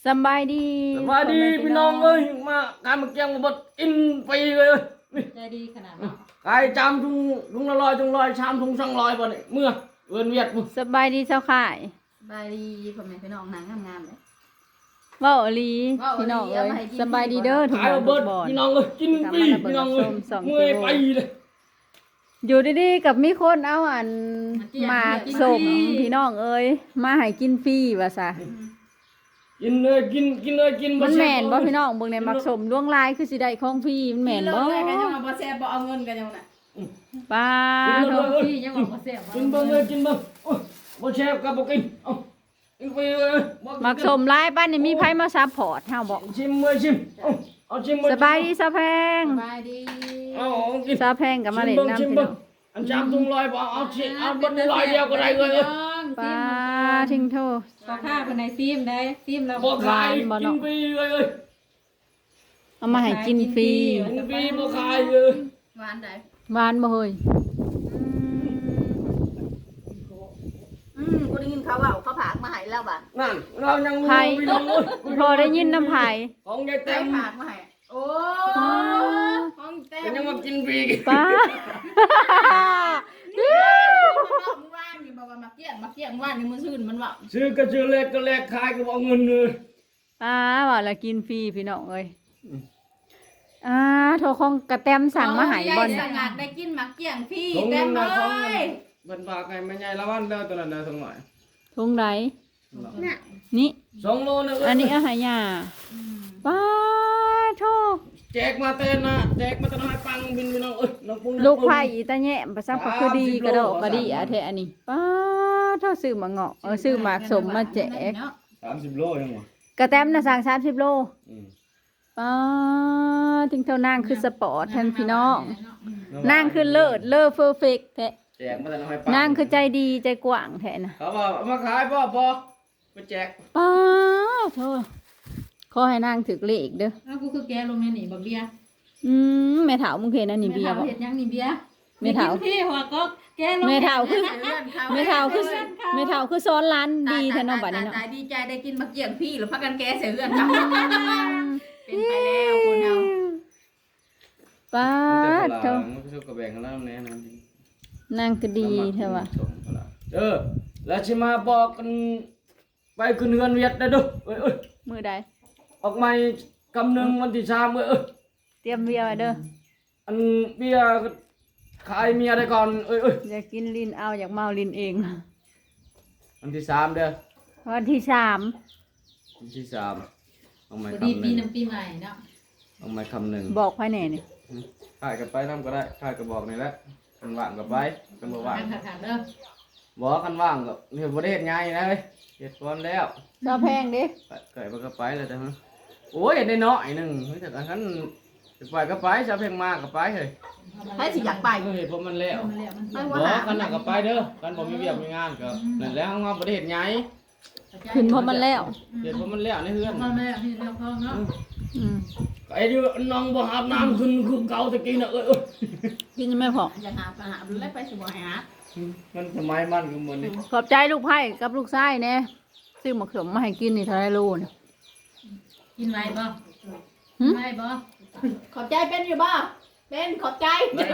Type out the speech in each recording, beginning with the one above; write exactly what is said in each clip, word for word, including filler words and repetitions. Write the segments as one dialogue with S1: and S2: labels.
S1: สบายดี
S2: สบายดีพี่น้องเอ้ยมาการมาเกี่ยงมาบดอินไปเลยนี่
S3: ใจดีขนาดนั้น
S2: กายจามทุงทุงละลอยทุงลอยชามทุงช่างลอยบ่เนี่ยเมื่อเวียนเวียดมึง
S1: สบายดีเจ้าข่าย
S3: สบายดีพ่อแม่พี่น้องนางงามๆเลย
S1: เว้าอีหลี
S3: เว้าอีหลี
S1: พี่น้องเอ้ย
S3: เอามาให้กิน
S1: สบายดีเด้อทุก
S2: กาย
S1: คน
S2: มา
S1: ทุ
S2: เบิด
S1: กบอน
S2: พี่น้องเอ้ยกินฟรีพี่น้องเอ้ย
S1: สองกิโล
S2: เมื่อยไปเลย
S1: อยู่ดีๆกับมีคนเอาอันหมากส่งพี่น้องเอ้ยมาให้กินฟรีว่าซะ
S2: กินเลยกินกินเลยกิน
S1: มันแม่นบ่
S2: เสีย
S1: พี่น้องเบิ่งในหมากสมล่วงลายคือสิได้ของฟรีมันแม่นบ่
S3: กิเลยกันยังว่าบ่แซ่บบ่เอาเงินกันยังน่ะ
S1: ป้า
S2: กิน
S1: โท
S2: เลย
S3: พี่ยังว่าบ่แซ่บ
S2: กินเบิ่งเลยกินเบิ่งโอ้ยบ่แซ่บกับบ่กินเอากินไปเลยบ่
S1: หมากสมลายป้านนี่มีไผมาซัพพอร์ตเฮาบ่
S2: ชิมเลยชิมเอาเอาชิมเลย
S1: สบายดีซะแพง
S3: สบายดี
S2: เอาเอากิน
S1: ซะแพงก็มาเล่นน้ำ
S2: ชิม
S1: พี่
S2: เบิ่
S1: น้
S2: ง
S1: อง
S2: อันจามทุงลอยบ่เอาชิเอาบนลอยเดียวก็ได้เลย
S1: ป้าทิ้งโทษ
S3: ขอค่าเป็นในซีมได้ซีมเรา
S2: บ่ขาย
S1: บ่
S2: กิ
S1: เนาะ
S2: นฟรีเลยเอ้ย
S1: เอามาให้กินฟรี
S2: กินฟรีบ่ขายเลย
S3: หวานได้
S1: หวานบ่เฮ้ย
S3: อืมกูได้ยินเขาว่าเขาผากมาให้แล้วบ่ะ
S2: นั่นเรายังรู้พี่น้องเอ้ย
S1: พอได้ยินน้ำไผ
S2: ของยาย
S3: ได้
S2: เต็ม
S3: ผากมาให้โอ้ห้องเต็ม
S2: ก็ยังมากินฟรี
S1: ป้า
S3: เมื่อวานนี่บอกว่ามาเกี้ยงมาเกี้ยงว่านนี่มื้อซื่นมันว่า
S2: ซื้อก็ซื้อเล็กก็เล็กขายก็บ่เอาเงินเลย
S1: ป้าว่าละกินฟรีพี่น้องเอ้ยอ่าโทรของกระแตมสั่งมาใหายบอล
S3: สงัดได้กินมาเกี้ยงพี่
S2: ของ
S3: เต็
S2: เงิ
S3: ม
S2: น
S3: เล
S2: นะของ
S3: ย
S2: เงินฝากให้แม่ใหญ่ละวันเด้อตัวนั้นเด้อสักหน่อย
S1: ทงไร
S3: น่ะ
S1: นี่
S2: สองโลนะเอ้ย
S1: อันนี้อาหารยาป้าโทร
S2: แจกมาเต้นนะแจกมาตะน้อยปังบินพี่น้องเอ้ยน้องปุ้ง
S1: ลูกไผ่อีตาแง่ภาษาพคือดีกระโดดกระดีอะเทอันนี้ป้าโทรซื้อมาเงาะเออซื้อหมากสมมาแจก
S2: สามสิบโลยังวะ
S1: กระแตมน่ะสั่งสามสิบโล
S2: อืม
S1: ป้าถึงเท่านางคือสปอร์ตแทนพี่น้องนางคือเลิศเลิศเพอร์เฟกต์แท้
S2: แจกมาตะน้อยปัง
S1: นางคือใจดีใจกว้างแท้นะ
S2: เขาบอกเอามาขายพ่อพอไปแจก
S1: ป้าโทษขอให้นางถึกเลขเด้อ
S3: อ้าวกูคือแกลงในนี่บักเบียร์
S1: อืมแม่เฒ่ามึงเห็นอันนี้เบียร์บ่
S3: เห็ดยังนี่เบียร์
S1: แม่เฒ่า
S3: พี่หัวก็แกลง
S1: แม่เฒ่าคือ
S3: เพื่อนเขา
S1: แม่เฒ่าคือแม่เฒ่าคือซ้อนร้านดีแท้เนาะบัดนี้เนาะ
S3: ตายดีใจได้กินมาเกี่ยงพี่หรือพักกันแกเสียเพื่อนเขาเป็นไปแล้วคุณเอา
S1: ป้า
S2: มัน
S1: โท
S2: จะ
S1: ษ
S2: มันก็ชอบกระแบงกันแล้วแน่นอน
S1: นางก็ดีแท้ว่ะ
S2: เออแล้วชิมาบอกกันไปขึ้นเงินเวียดได้ดูเอ้ยเอ้ย
S1: มื้อใด
S2: ออกมากำหนึ่งวันที่สามเอ้ยเอ้ย
S1: เตรียมเบียร์ไว้เด้อ
S2: อันเบียร์ก็ขายเมียได้ก่อนเอ้ยเอ้ย
S1: อยากกินลิ้นเอาอยากเมาลิ้นเอง
S2: วันที่สามเด้อ
S1: วันที่สาม
S2: วันที่สามเอาไม้
S3: ดี
S2: คำห
S3: ปี
S2: นึ่ง
S3: น้ำปีใหม่เนาะ
S2: เอาไม้คำหนึ่ง
S1: บอกภายในนี่
S2: ขายกับไปน้ำก็ได้ขายกับบอกนี่แหละกันว่างกับไปกันบ่ว่าง
S3: ขาดขาดเด้อ
S2: บอกกันว่างก็เนี่ยประเทศง่ายนะเว้ยเฮ็ดก่อนแล้ว
S1: ซาแพงเด้
S2: ไปเกิดมันก็ไปแล้วจ้ะฮะโอ้ยได้น้อยหนึ่งเฮ้ยแต่อันนั้นจะไปก็ไปจะเพียงมากก็ไปเฮ้ย
S3: ให้สิอยากไป
S2: เฮ้ยเพราะมันแล้ว
S3: มันแล้วมันไม่
S2: บ
S3: ว่า
S2: อ
S3: หาก
S2: กันน่ะก็ไปเด้อกันผมมีเวียกมีงานก็นั่นแหละเอามาประเทศใหญ่
S1: ขึ้นเพราะมันแล้ว
S2: เฮ็ดเพราะมันแล้วในเฮือน
S3: พ่อแม่พี่เลี้ยงพ่อเนาะ
S1: อืม
S2: ไอ้ดิน้องบ่อาบน้ำขึ้นคือเก่าตะกี้น่ะเอ้ยเอ้ย
S1: กินไม่พอ
S3: อยากหาหาดูแลไปสิบ่หา
S2: มันสมัยมันก็เหมือนนี่
S1: ขอบใจลูกไผ่กับลูกชายแน่ซื้อหมกสมมาให้กินนี่เท่าไรโลเนี่ย
S3: กินไว้บ่
S1: หึ
S3: ไว้บ่ขอบใจเป็นอยู่บ่เป็นขอบใจ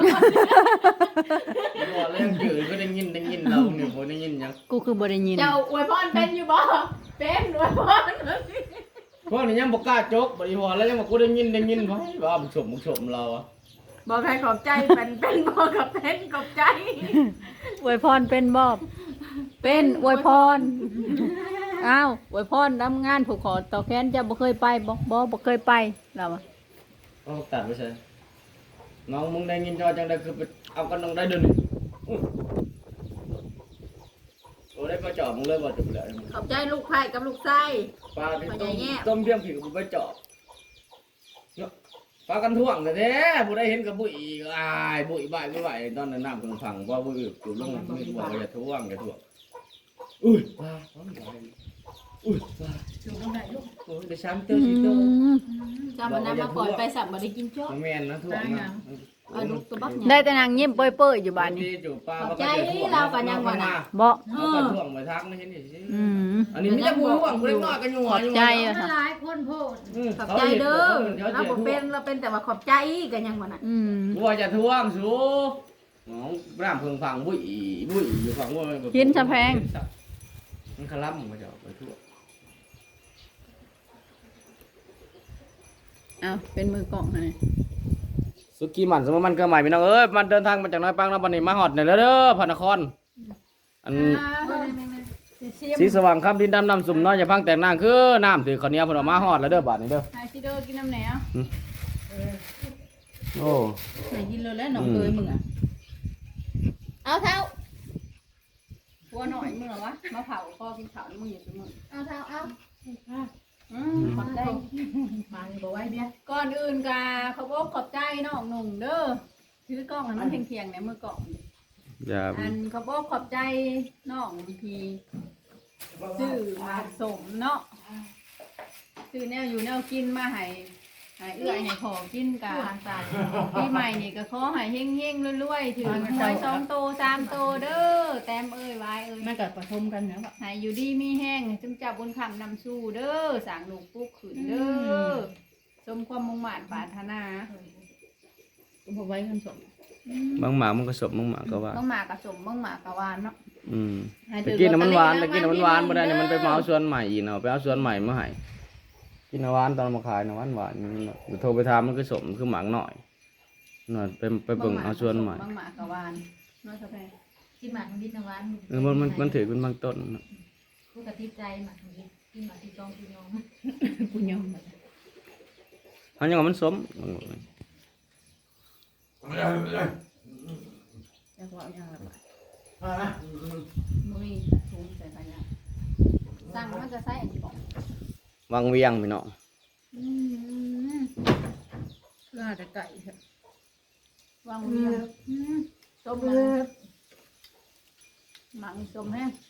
S2: บ่เรื่องจืดก็ได้ยินได้ยินเราเนี่ยบ่ได้ยินหยัง
S1: กูคือบ่ได้ยิน
S3: เจ้าอวยพรเป็นอยู่บ่เป็นอวยพร
S2: พวกนี้ยังบ่กล้าจกบ่อีพอแล้วยังบ่กูได้ยินได้ยินบ่ว่าบ่ชมบ่ชมเราอ่ะ
S3: บอกใครขอบใจเป็นเป็นบ่กับเป็นขอบใจ
S1: อวยพรเป็นบอบเป็นอวยพรอ้าวอวยพรทำงานผูกคอต่อแขนจะบ่เคยไปบ่บ่บ่เคยไปเราอะ
S2: เอาตัดไปใช่น้องมึงได้ยินจอจังได้คือไปเอากันน้องได้เดินนี่อื้อโอ้ได้มาจอบมึงเลยบ่จะไปเลย
S3: ขอบใจลูกไผ่กับลูกไส้
S2: ปลาที่
S3: ขอ
S2: ต้
S3: ใจ
S2: ม
S3: แง่
S2: ต้มเพียงผิวกูไปจอบเนาะปลากันท่วงแต่แท้ผู้ได้เห็นกับบุ๋ยก็อายบุ๋ยบ่ายไม่ไหวตอนนั้นน้ำกำลังพังว่าบุ๋ยอยู่ลงนี่บอกว่าอย่าท่วงอย่าท่วงอุ้ยปลาอุ้ยปลา
S3: ถูกต้องได้ลูก
S2: โอ้ยได้ช้ำเตอร์สิเตอร์
S3: จำมันน้ำมาก่อนไปสั่งบ่ได้กินโจ๊ก
S2: แม่นนะท่วงนะ
S3: เอาลูกตัวบัก
S1: ได้แต่นางยิ้มเปื่อยๆอยู่บ้านนี้
S2: จู่ปลา
S3: ขอบใจเรากันยังวะน่ะ
S1: บ่
S2: เอากระท่วงมาทักไม่เห็นสิ
S1: อืม
S2: อันนี้มีแต่ผู้ห่วงผู้เล็กน้อยกันอยู่
S1: ขอบใจ
S2: อยู่
S1: อะค่ะ
S4: หลายคนโพด
S3: ขอบใจเด้อเราบ่เป็นเราเป็นแต่ว่าขอบใจกันยังบ่น่ะ
S1: อืม
S2: บัวจะทวงสูน้องร่ามเพิงพังบุ้ยบุ้ยอยู่ฝั่งว่า
S1: กินชะแพง
S2: มันขลับมันจะไปทั่ว
S1: เอาเป็นมือกล่องให้
S2: สุกี้มันสมมติมันก็ใหม่พี่น้องเอ้ยมันเดินทางมาจากน้อยปังแล้ววันนี้มาฮอดเนี่ยเด้อพระนครอันสีสว่างค่ำดินดำน้ำสุ่มน้อยอย่าพังแต่งนางคือน้ำถือข้าวเหนียวเพิ่นเอามาฮอดแล้วเด้อบาดนี้เด้อ
S1: ไฮซิโดกินน้ำไหนอ่ะ
S2: โอ้
S3: ไหนกินเลยแล้วน้องเคยมึงอ่ะ
S1: เอาเท้าหัวหน่อยมึงเหรอวะมาเผาพ่อกินข้าวนี่มึงอยู่เสมอ
S4: เอาเท้าเอา
S1: อืมขอบใจ
S3: มานี่บ่ไหวเนี่ย
S1: ก่อนอื่นกาเขาบอกขอบใจน้องหนุ่งเด้อถือกล้องให้มันเทียงๆเนี่ยมือกล่อง
S2: อย่า
S1: อันเขาบอกขอบใจน้องทีซื้อมาสมเนาะซื้อแนวอยู่แนวกินมาให้ให้เอื้อยให้ขอกินกะปีใหม่นี่ก็ขอให้เฮงๆรวยๆถือหวยสองโตสามโตเด้อแต้มเอ้ยไว้เอ้ย
S3: มันก็ประทมกันนะว่า
S1: ให้อยู่ดีมีแห้งจึงจับบนคำนำสู้เด้อสร้างลูกปุ๊กขืนเด้อสมความมุ่งมั่นปรารถนา
S3: บ่ไหวกันสม
S2: บางหมากมันก็สบบางหมากก็ว่า
S1: ต้องมากระสมต้องมากระวานเนาะ
S2: อืม
S1: ให้
S2: ตะ
S1: ถือ
S2: กี้น่ะมันหวาน
S1: ลอ
S2: ตะ
S1: ตเตอ
S2: กี้น่ะมันหวานบ่ได้เนี่ยมันไป
S1: ราง
S2: เมา
S1: วัลที่หง
S2: สวนใหม่อีกเนาะไปเอาสวนใหม่มาให้กินน้ำหวานตอนมาขายน้ำหวานหวานนี่โทรไปถามมันก็สมคือหมากหน่อยหน่อยไปไปเบิ่งเอาสวนใหม่
S1: บางหมากกระวานน้อยสะแพง
S4: กินหมากของดิบน้ำหวาน
S2: เออมันมันมันถือเป็นบางต้นเนาะ
S4: ผู้กระติบใจหมากของดิบกินหมากที่จองที่น้อง
S3: กูยอม
S2: อันยังว่ามันสมบางเลย
S3: จะว่าอย่างไร
S1: มุ้ยถุงใส่ขยะสั่งมันจะใส่อันนี้บอก
S2: วางเวียงพี่น้อง
S1: อืม
S3: เพื่อจะไก่
S1: วางเรียงอืมส้มเลยหมักส้มแห้ง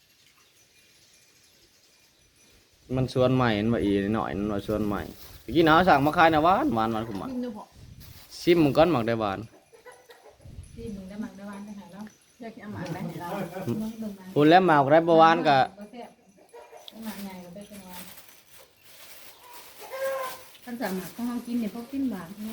S2: มันสวนใหม่มันว่าอีหน่อยมันว่าสวนใหม่ตะกี้น้าสั่งมาขายน้ำหวานหวานหวานขุมหวาน
S1: กินดูพอ
S2: ชิมมันก้อนหมักได้หวาน
S4: ที่มึงได้หมากได้หวานได้หาแล้ว
S1: อยากกินหมักได้ให้เรา
S4: มึงเบิ่งมา
S2: พูดแล้วหมากได้บ่หวานก็
S4: บ่แซ่บได้หมากใหญ่ก็ได้เป็นหวาน
S3: ท่านสามารถของเรากินเนี่ยพวกกินหวาน
S4: แม่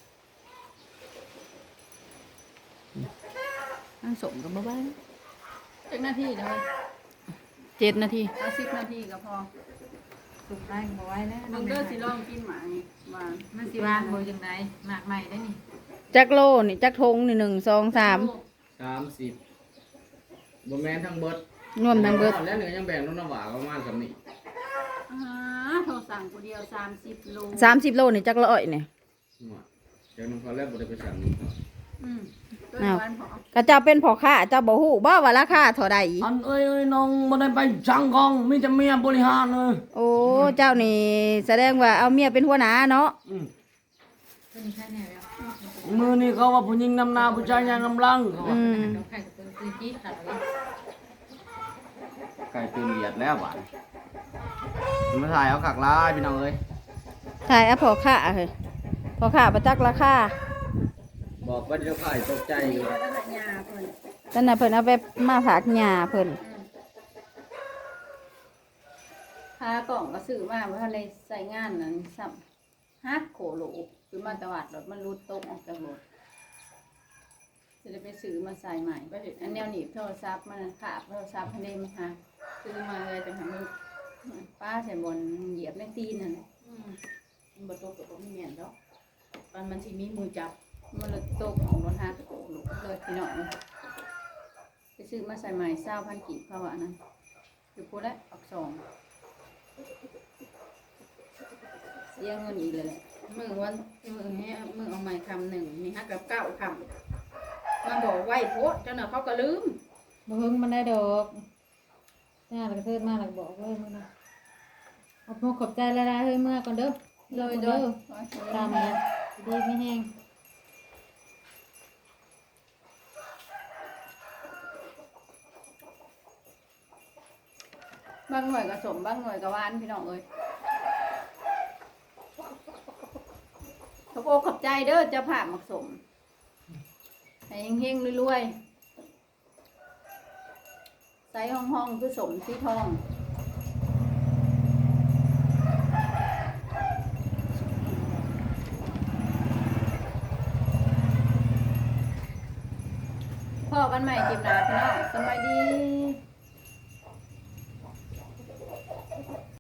S1: อันสมกับบ้านเจ็ดนาทีเลยเจ็ดนาทีเอาสิบนาทีก็พอ
S4: สุกได้บ่ไหวแล้ว
S1: มึงเด้อสิลองกินหมานี่หวาน
S4: มันสิหวานบ่จังไดหมากใหม่ได้นี่
S1: จักโลนี่จักทงนี่หนึ่งสองสาม
S2: สามสิบบ่แม่นทั้งเบิด
S1: รวมทั้งเบิด
S2: แล้วเหนือยังแบ่งน้ำหวานประมาณสำนี้
S1: อ่าโทรสั่งกูเดียวสามสิบโล
S5: สามสิบโลนี่จักร้อยเนี่ย
S2: เดี๋ยวน้องเขาแรกบ่ได้ไปสั่ง
S1: อืมตัวหวานพอ
S5: ก็เจ้าเป็นพ่อค้าเจ้าบ่ฮู้บ่ว่าราคาเท่าใด
S2: อันเอ้ยเอ้ยน้องบ่ได้ไปสั่งของมีแต่เมียบริหารเลย
S5: โอ้เจ้านี่แสดงว่าเอาเมียเป็นหัวหน้าเนาะ
S4: ตัวนี้แค่แนวแล้ว
S2: มือนี่เขาว่าผู้หญิงนำหน้าผู้ชายยังนำหลัง
S5: อืม
S4: ดอกไข่กับตัวตื้อจี้ขาดเลย
S2: ไก่ตื่นเหยียดแล้วหวานมาถ่ายเอาขักลายพี่น้องเอ้ย
S5: ถ่ายเอาพ่อค้าเฮ้ยพ่อค้าบ่จักราคา
S2: บอกว่าเดี๋ยวถ่ายตกใจอยู่
S1: แล้วก็ยาเพิ่น
S5: นั่นน่ะเพิ่นเอาไปมาฝากหญ้าเพิ่น
S1: พากล่องก็ซื้อมาว่าในใส่งานนั้นซ้ำฮักโขโหลคือมาตวาดรถมันรูดตกออกจากรถจะได้ไปซื้อมาใส่ใหม่อันแนวหนีบโทรศัพท์มันขาบโทรศัพท์ให้ได้มาหาซื้อมาเลยแต่ทำมันป้าใส่บนเหยียบในตีนนั่น
S3: มันบ่ตกกับบ่มีแม่นดอกตอนมันสิมีมือจับ
S1: มันเลยตกของรถฮักโขโหลเลยพี่น้องไปซื้อมาใส่ใหม่เศร้าพันกีบเขาว่านั้นคือพูดแล้วออกสองเสียเงินอีกเลยแหละ
S3: มือวันมือให้มือเอาใหม่คำหนึ่งมีฮักกับเก้าคำมาบอกไหวโพสเจ้าหน้าเขาก็ลืม
S4: บ่เฮิงมันได้ดอกหน้าแล้วก็เทิดมาแล้วก็บอกเลยมื้อนะเอาพวกขอบใจหลายๆเฮ้ยเมื่อก่อนเด้อ
S1: โดยโด
S4: เด้
S1: ย
S4: อตามนี้ดีไม่แห้ง
S1: บางหน่วยก็สมบางหน่วยก็หวานพี่น้องเอ้ยขอบโอขอบใจเด้อเจ้าภาพหมักสมให้เฮงๆรวยๆใส่ห้องๆคือสมสีทองพ่อกันใหม่คลิปหน้าพี่น้องสบายดี